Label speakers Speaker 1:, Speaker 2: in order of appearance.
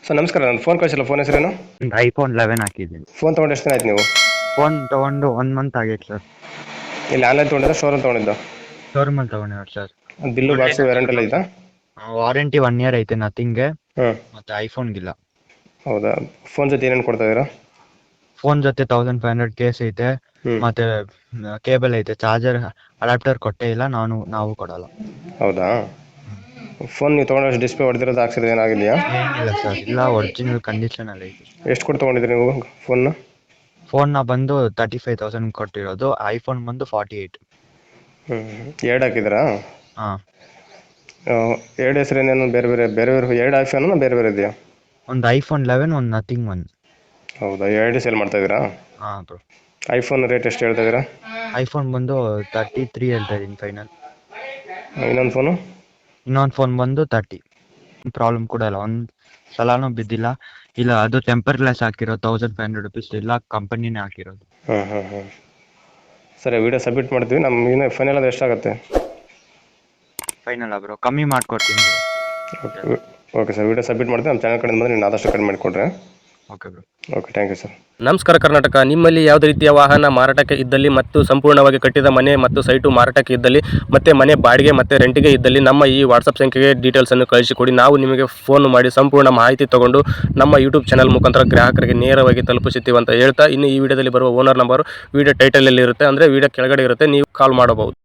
Speaker 1: Sir ನಮಸ್ಕಾರ, ನಾನು phone ಕಳಿಸಿಲ್ಲ. Phone ಹೆಸರೇನು?
Speaker 2: ಒಂದು ಐಫೋನ್ 11 ಹಾಕಿದ್ದೀನಿ.
Speaker 1: ಫೋನ್ ತೊಗೊಂಡು ಎಷ್ಟು ದಿನ ಆಯ್ತು ನೀವು?
Speaker 2: ಫೋನ್ ತೊಗೊಂಡು 1 ಮಂತ್ ಆಗೈತೆ ಸರ್.
Speaker 1: ಇಲ್ಲಿ ಆನ್ಲೈನ್ ತೊಗೊಂಡಿದ್ದ, ಶೋರೂಮ್ ತೊಗೊಂಡಿದ್ದು?
Speaker 2: ಶೋರೂಮಲ್ಲಿ ತೊಗೊಂಡಿರೋದು ಸರ್.
Speaker 1: ಬಿಲ್ಲು ಬಾಕ್ಸು ವ್ಯಾರಂಟಿ ಎಲ್ಲ ಇದಾ?
Speaker 2: ವಾರಂಟಿ 1 ಇಯರ್ ಐತೆ ನಥಿಂಗ್ಗೆ,
Speaker 1: ಹ್ಞೂ.
Speaker 2: ಮತ್ತು ಐಫೋನ್ಗಿಲ್ಲ.
Speaker 1: ಹೌದಾ? ಫೋನ್ ಜೊತೆ ಏನೇನು ಕೊಡ್ತಾ ಇದ್ದೀರಾ?
Speaker 2: ಫೋನ್ ಜೊತೆ 1500 ಕೇಸ್ ಐತೆ,
Speaker 1: ಹ್ಞೂ.
Speaker 2: ಮತ್ತು ಕೇಬಲ್ ಐತೆ. ಚಾರ್ಜರ್ ಅಡಾಪ್ಟರ್ ಕೊಟ್ಟೇ ಇಲ್ಲ, ನಾವು ಕೊಡಲ್ಲ.
Speaker 1: ಹೌದಾ? ಫೋನ್ ನೀವು ತೊಗೊಂಡು ಡಿಸ್ಪ್ಲೇ ಹೊಡೆದಿರೋದು, ಹಾಕ್ಸಿರೋದು ಏನಾಗಿದೆಯಾ?
Speaker 2: ಏನಿಲ್ಲ ಸರ್, ಇಲ್ಲ ಒರಿಜಿನಲ್ ಕಂಡೀಷನಲ್ಲಿ ಐತೆ.
Speaker 1: ಎಷ್ಟು ಕೊಟ್ಟು ತೊಗೊಂಡಿದ್ದೀರಿ ನೀವು ಫೋನ್ನ?
Speaker 2: ಫೋನ್ನ ಬಂದು 35,000 ಕೊಟ್ಟಿರೋದು, ಐಫೋನ್ ಬಂದು 48.
Speaker 1: ಎರಡು ಹಾಕಿದ್ದೀರಾ?
Speaker 2: ಹಾಂ.
Speaker 1: ಎರಡು ಹೆಸರೇನೇನು ಬೇರೆ ಬೇರೆ ಬೇರೆ ಬೇರೆ? ಎರಡು ಐಫೋನು ಬೇರೆ ಬೇರೆ ಇದೆಯಾ?
Speaker 2: ಒಂದು ಐಫೋನ್ 11, ಒಂದು ನಥಿಂಗ್ 1.
Speaker 1: ಹೌದಾ? ಎರಡು ಸೇಲ್ ಮಾಡ್ತಾ ಇದ್ದೀರಾ?
Speaker 2: ಹಾಂ ಬ್ರೋ.
Speaker 1: ಐಫೋನ್ ರೇಟ್ ಎಷ್ಟು ಹೇಳ್ತಾ ಇದ್ದೀರಾ?
Speaker 2: ಐಫೋನ್ ಬಂದು 33 ಹೇಳ್ತಾ ಇದ್ದೀನಿ ಫೈನಲ್.
Speaker 1: ಇನ್ನೊಂದು ಫೋನು?
Speaker 2: ಇನ್ನೊಂದು ಫೋನ್ ಬಂದು 30. ಪ್ರಾಬ್ಲಮ್ ಕೂಡ ಇಲ್ಲ, ಒಂದು ಸಲಾನೂ ಬಿದ್ದಿಲ್ಲ. ಇಲ್ಲ ಅದು ಟೆಂಪರ್ ಗ್ಲಾಸ್ ಹಾಕಿರೋದು, 1500 ರುಪೀಸ್, ಇಲ್ಲ ಕಂಪನಿನೇ ಹಾಕಿರೋದು.
Speaker 1: ಸರಿ, ವಿಡಿಯೋ ಸಬ್ಮಿಟ್ ಮಾಡ್ತೀವಿ. ನಮ್ಮ ಇನ್ನೂ ಫೈನಲ್ ಅಂದರೆ ಎಷ್ಟಾಗುತ್ತೆ?
Speaker 2: ಫೈನಲ್ ಬ್ರೋ, ಕಮ್ಮಿ ಮಾಡ್ಕೊಡ್ತೀನಿ bro.
Speaker 1: Okay sir, video submit ಮಾಡ್ತೀವಿ. ನಮ್ಮ ಚಾನಲ್ ಕಡೆಯಿಂದ ಬಂದರೆ ನೀವು ಆದಷ್ಟು ಕಡಿಮೆ ಮಾಡಿಕೊಡ್ರಿ.
Speaker 2: Okay bro.
Speaker 1: Okay, thank you sir.
Speaker 3: ನಮಸ್ಕಾರ ಕರ್ನಾಟಕ. ನಿಮ್ಮಲ್ಲಿ ಯಾವುದೇ ರೀತಿಯ ವಾಹನ ಮಾರಾಟಕ್ಕೆ ಇದ್ದಲ್ಲಿ ಮತ್ತು ಸಂಪೂರ್ಣವಾಗಿ ಕಟ್ಟಿದ ಮನೆ ಮತ್ತು ಸೈಟು ಮಾರಾಟಕ್ಕೆ ಇದ್ದಲ್ಲಿ ಮತ್ತು ಮನೆ ಬಾಡಿಗೆ ಮತ್ತು ರೆಂಟಿಗೆ ಇದ್ದಲ್ಲಿ ನಮ್ಮ ಈ ವಾಟ್ಸಪ್ ಸಂಖ್ಯೆಗೆ ಡೀಟೇಲ್ಸನ್ನು ಕಳಿಸಿಕೊಡಿ. ನಾವು ನಿಮಗೆ ಫೋನ್ ಮಾಡಿ ಸಂಪೂರ್ಣ ಮಾಹಿತಿ ತಗೊಂಡು ನಮ್ಮ ಯೂಟ್ಯೂಬ್ ಚಾನಲ್ ಮುಖಾಂತರ ಗ್ರಾಹಕರಿಗೆ ನೇರವಾಗಿ ತಲುಪಿಸುತ್ತೀವಿ ಅಂತ ಹೇಳ್ತಾ, ಇನ್ನು ಈ ವಿಡಿಯೋದಲ್ಲಿ ಬರುವ ಓನರ್ ನಂಬರು ವಿಡಿಯೋ ಟೈಟಲಲ್ಲಿ ಇರುತ್ತೆ, ಅಂದರೆ ವಿಡಿಯೋ ಕೆಳಗಡೆ ಇರುತ್ತೆ, ನೀವು ಕಾಲ್ ಮಾಡಬಹುದು.